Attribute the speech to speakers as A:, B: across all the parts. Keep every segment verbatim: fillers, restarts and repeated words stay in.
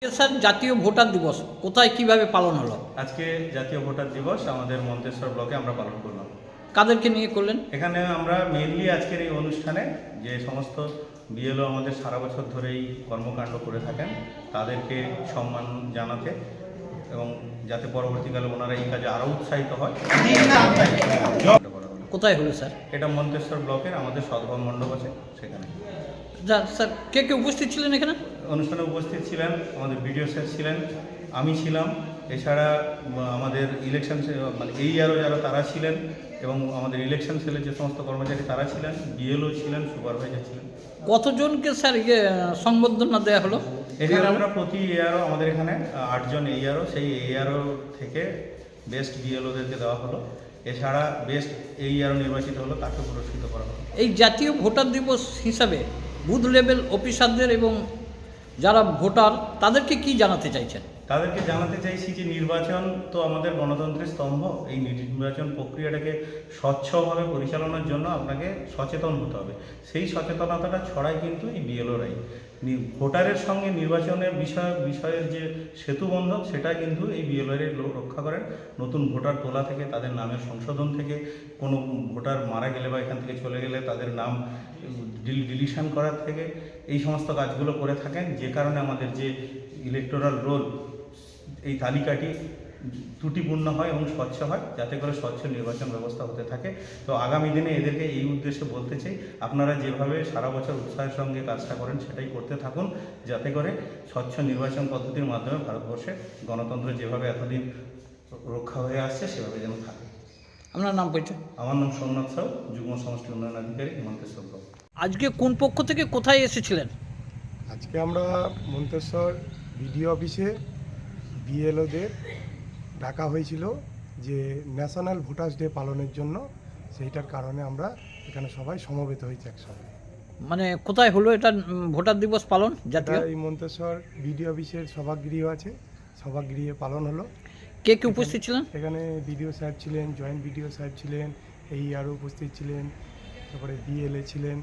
A: Sir, জাতীয় voter দিবস কোথায় কিভাবে পালন হলো?
B: আজকে জাতীয় ভোটার দিবস আমাদের মন্তেশ্বর ব্লকে আমরা পালন করলাম।
A: কাদেরকে নিয়ে করলেন?
B: এখানে আমরা মেইনলি আজকের এই অনুষ্ঠানে যে সমস্ত বিএলও আমাদের সারা বছর ধরেই কর্মকাণ্ড করে থাকেন তাদেরকে সম্মান জানাতে এবং যাতে পরবর্তীকালে ওনারা এই কাজে আরও উৎসাহিত হয়।
A: কোথায় হলো স্যার?
B: এটা মন্তেশ্বর ব্লকের আমাদের সদ্ভাব মণ্ডপ আছে সেখানে।
A: যা স্যার, কে কে উপস্থিত ছিলেন এখানে?
B: অনুষ্ঠানে উপস্থিত ছিলেন আমাদের বিডিও স্যার ছিলেন, আমি ছিলাম, এছাড়া আমাদের ইলেকশন মানে এই আরও যারা তারা ছিলেন এবং আমাদের ইলেকশন সেলের যে সমস্ত কর্মচারী তারা ছিলেন, বিএলও ছিলেন, সুপারভাইজার ছিলেন।
A: কতজনকে স্যার ইয়ে সংবর্ধনা দেওয়া হলো?
B: এখানে আমরা প্রতি এআরও আমাদের এখানে আটজন এআরও, সেই এআরও থেকে বেস্ট বিএলওদেরকে দেওয়া হলো। এছাড়া বেস্ট এইআরও নির্বাচিত হলো, তাকে পুরস্কৃত করা হলো।
A: এই জাতীয় ভোটার দিবস হিসাবে বুথ লেভেল অফিসারদের এবং যারা ভোটার তাদেরকে কি জানাতে চাইছেন?
B: তাদেরকে জানাতে চাইছি যে নির্বাচন তো আমাদের গণতন্ত্রের স্তম্ভ। এই নির্বাচন প্রক্রিয়াটাকে স্বচ্ছভাবে পরিচালনার জন্য আপনাকে সচেতন হতে হবে। সেই সচেতনতাটা ছড়ায় কিন্তু এই বিএলওরাই। ভোটারের সঙ্গে নির্বাচনের বিষয় বিষয়ের যে সেতুবন্ধন সেটা কিন্তু এই বিএলওরাই রক্ষা করেন। নতুন ভোটার তোলা থেকে তাদের নামের সংশোধন থেকে, কোনো ভোটার মারা গেলে বা এখান থেকে চলে গেলে তাদের নাম ডিলিশন করার থেকে এই সমস্ত কাজগুলো করে থাকেন, যে কারণে আমাদের যে ইলেকটোরাল রোল এই তালিকাটি ত্রুটিপূর্ণ হয় এবং স্বচ্ছ হয়, যাতে করে স্বচ্ছ নির্বাচন ব্যবস্থা হতে থাকে। তো আগামী দিনে এদেরকে এই উদ্দেশ্যে বলতে চাই, আপনারা যেভাবে সারা বছর উৎসাহের সঙ্গে কাজটা করেন সেটাই করতে থাকুন, যাতে করে স্বচ্ছ নির্বাচন পদ্ধতির মাধ্যমে ভারতবর্ষে গণতন্ত্র যেভাবে এতদিন রক্ষা হয়ে আসছে সেভাবে যেন থাকে।
A: আপনার নাম পরিচয়?
B: আমার নাম সোমনাথ সাউ, যুগ্ম সমষ্টি উন্নয়ন আধিকারিক, মন্তেশ্বর ব্লক।
A: আজকে কোন পক্ষ থেকে কোথায় এসেছিলেন?
C: আজকে আমরা মন্তেশ্বর বিডিও অফিসে বিএলওদের ডাকা হয়েছিল যে ন্যাশনাল ভোটার্স ডে পালনের জন্য, সেইটার কারণে আমরা এখানে সবাই সমবেত হয়েছি একসঙ্গে।
A: মানে কোথায় হলো এটা ভোটার দিবস পালন জাতীয়?
C: এই মন্তেশ্বর বিডিও অফিসের সভাগৃহ আছে, সভাগৃহে পালন হলো।
A: কে কে উপস্থিত ছিলেন?
C: এখানে বিডিও সাহেব ছিলেন, জয়েন্ট বিডিও সাহেব ছিলেন, এই আরও উপস্থিত ছিলেন, তারপরে বিএলএ ছিলেন।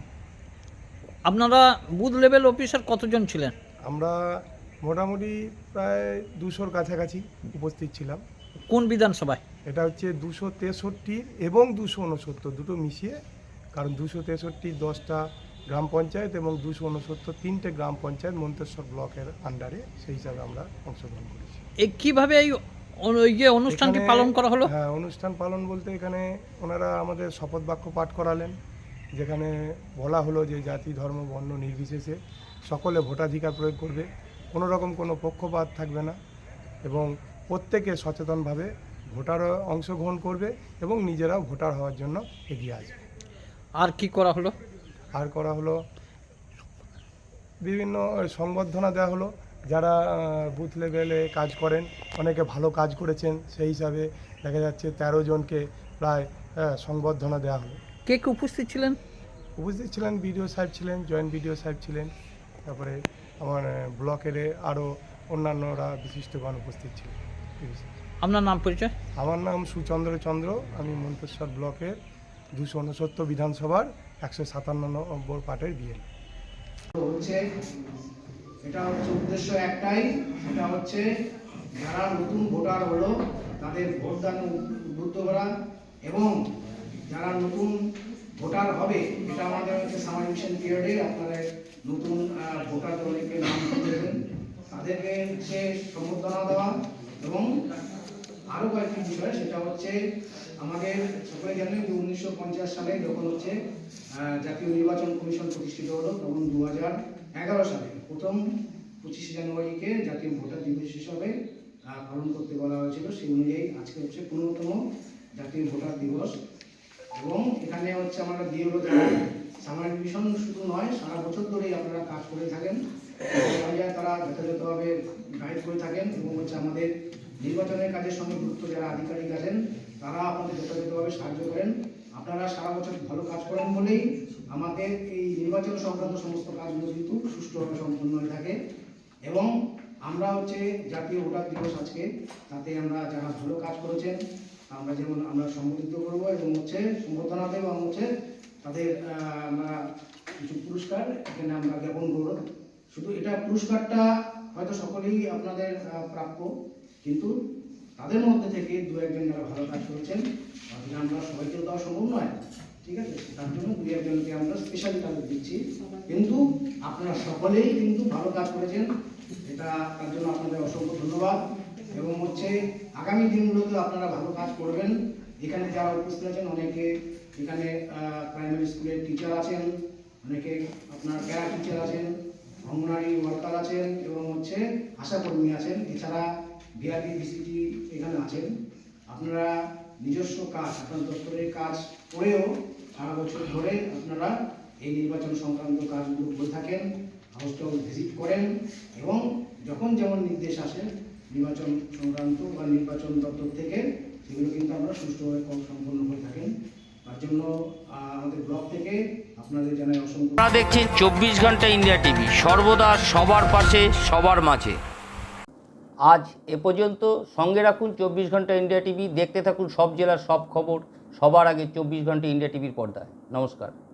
A: আপনারা বুথ লেভেল অফিসার কতজন ছিলেন?
C: আমরা মোটামুটি প্রায় দুশোর কাছাকাছি উপস্থিত ছিলাম।
A: কোন বিধানসভায়?
C: এটা হচ্ছে দুশো তেষট্টি এবং দুশো উনসত্তর দুটো মিশিয়ে, কারণ দুশো তেষট্টি দশটা গ্রাম পঞ্চায়েত এবং দুশো উনসত্তর তিনটে গ্রাম পঞ্চায়েত মন্তেশ্বর ব্লকের আন্ডারে, সেই হিসাবে আমরা অংশগ্রহণ করেছি।
A: এই কীভাবে এই ইয়ে অনুষ্ঠানটি পালন করা হলো?
C: হ্যাঁ, অনুষ্ঠান পালন বলতে এখানে ওনারা আমাদের শপথ বাক্য পাঠ করালেন, যেখানে বলা হলো যে জাতি ধর্ম বর্ণ নির্বিশেষে সকলে ভোটাধিকার প্রয়োগ করবে, কোনো রকম কোনো পক্ষপাত থাকবে না এবং প্রত্যেকে সচেতনভাবে ভোটার অংশগ্রহণ করবে এবং নিজেরাও ভোটার হওয়ার জন্য এগিয়ে আসবে।
A: আর কি করা হলো?
C: আর করা হলো বিভিন্ন সংবর্ধনা দেওয়া হলো, যারা বুথ লেভেলে কাজ করেন অনেকে ভালো কাজ করেছেন, সেই হিসাবে দেখা যাচ্ছে তেরো জনকে প্রায় সংবর্ধনা দেওয়া হলো।
A: কে কে উপস্থিত ছিলেন?
C: উপস্থিত ছিলেন বিডিও সাহেব ছিলেন, জয়েন্ট বিডিও সাহেব ছিলেন, তারপরে আমার ব্লকের আরও অন্যান্যরা বিশিষ্টগণ উপস্থিত ছিলেন।
A: আপনার নাম পরিচয়?
C: আমার নাম সুচন্দ্র চন্দ্র, আমি মন্তেশ্বর ব্লকের দুশো উনসত্তর বিধানসভার একশো সাতান্ন নম্বর পার্টের বিএল।
D: হচ্ছে এটা হচ্ছে উদ্দেশ্য একটাই, সেটা হচ্ছে যারা নতুন ভোটার হলো তাদের ভোটদান উদ্বুদ্ধ করা এবং যারা নতুন ভোটার হবে, এটা আমাদের হচ্ছে সামার মিশন পিরিয়ডে আপনারা নতুন ভোটার অনেকে নাম দেবেন, তাদেরকে হচ্ছে সম্বর্ধনা দেওয়া এবং আরও কয়েকটি বিষয়, সেটা হচ্ছে আমাদের সকলে জানেন যে উনিশশো পঞ্চাশ সালে যখন হচ্ছে জাতীয় নির্বাচন কমিশন প্রতিষ্ঠিত হলো, তখন দু হাজার এগারো সালে প্রথম পঁচিশে জানুয়ারিকে জাতীয় ভোটার দিবস হিসাবে পালন করতে বলা হয়েছিল। সেই অনুযায়ী আজকে হচ্ছে পনেরোতম জাতীয় ভোটার দিবস এবং এখানে হচ্ছে আমরা বিএলও যারা সামার মিশন শুধু নয়, সারা বছর ধরেই আপনারা কাজ করে থাকেন, তারা যথাযথভাবে গাইড করে থাকেন এবং হচ্ছে আমাদের নির্বাচনের কাজের সঙ্গে যুক্ত যারা আধিকারিক আছেন তারা আপনাদের যথাযথভাবে সাহায্য করেন। আপনারা সারা বছর ভালো কাজ করেন বলেই আমাদের এই নির্বাচন সংক্রান্ত সমস্ত কাজগুলো কিন্তু সুষ্ঠুভাবে সম্পন্ন হয়ে থাকে এবং আমরা হচ্ছে জাতীয় ভোটার দিবস আজকে, তাতে আমরা যারা ভালো কাজ করেছেন আমরা যেমন আমরা সম্বোধিত করবো এবং হচ্ছে সম্বোধনা দেবো এবং হচ্ছে তাদের আমরা কিছু পুরস্কার এখানে আমরা জ্ঞাপন করব। শুধু এটা পুরস্কারটা হয়তো সকলেই আপনাদের আহ, প্রাপ্য, কিন্তু তাদের মধ্যে থেকে দু একজন যারা ভালো কাজ করেছেন তাদের আমরা সবাইকে দেওয়া সম্ভব নয়, ঠিক আছে? তার জন্য দু একজনকে আমরা স্পেশালি তাদের দিচ্ছি, কিন্তু আপনারা সকলেই কিন্তু ভালো কাজ করেছেন, এটা তার জন্য আপনাদের অসংখ্য ধন্যবাদ। এবং হচ্ছে আগামী দিনগুলোতে আপনারা ভালো কাজ করবেন। এখানে যারা উপস্থিত আছেন অনেকে এখানে প্রাইমারি স্কুলের টিচার আছেন, অনেকে আপনার প্যারা টিচার আছেন, অঙ্গনারী ওয়ার্কার আছেন এবং হচ্ছে আশাকর্মী আছেন, এছাড়া বিআরপি বিসিটি এখানে আছেন। আপনারা নিজস্ব কাজ, আপনার দপ্তরের কাজ করেও সারা বছর ধরে আপনারা এই নির্বাচন সংক্রান্ত কাজগুলো করে থাকেন, হাউসটাও ভিজিট করেন এবং যখন যেমন নির্দেশ আসে নির্বাচন সংক্রান্ত বা নির্বাচন দপ্তর থেকে, সেগুলো কিন্তু আমরা সুষ্ঠুভাবে সম্পন্ন করে থাকেন। তার জন্য আহ, আমাদের ব্লক থেকে আপনাদের জানাই অসংখ্য।
E: আপনারা দেখছেন চব্বিশ ঘন্টা ইন্ডিয়া টিভি, সর্বদা সবার পাশে সবার মাঝে। আজ এ পর্যন্ত। সঙ্গে রাখুন চব্বিশ ঘন্টা ইন্ডিয়া টিভি, দেখতে থাকুন সব জেলার সব খবর সবার আগে চব্বিশ ঘন্টা ইন্ডিয়া টিভির পর্দায়। নমস্কার।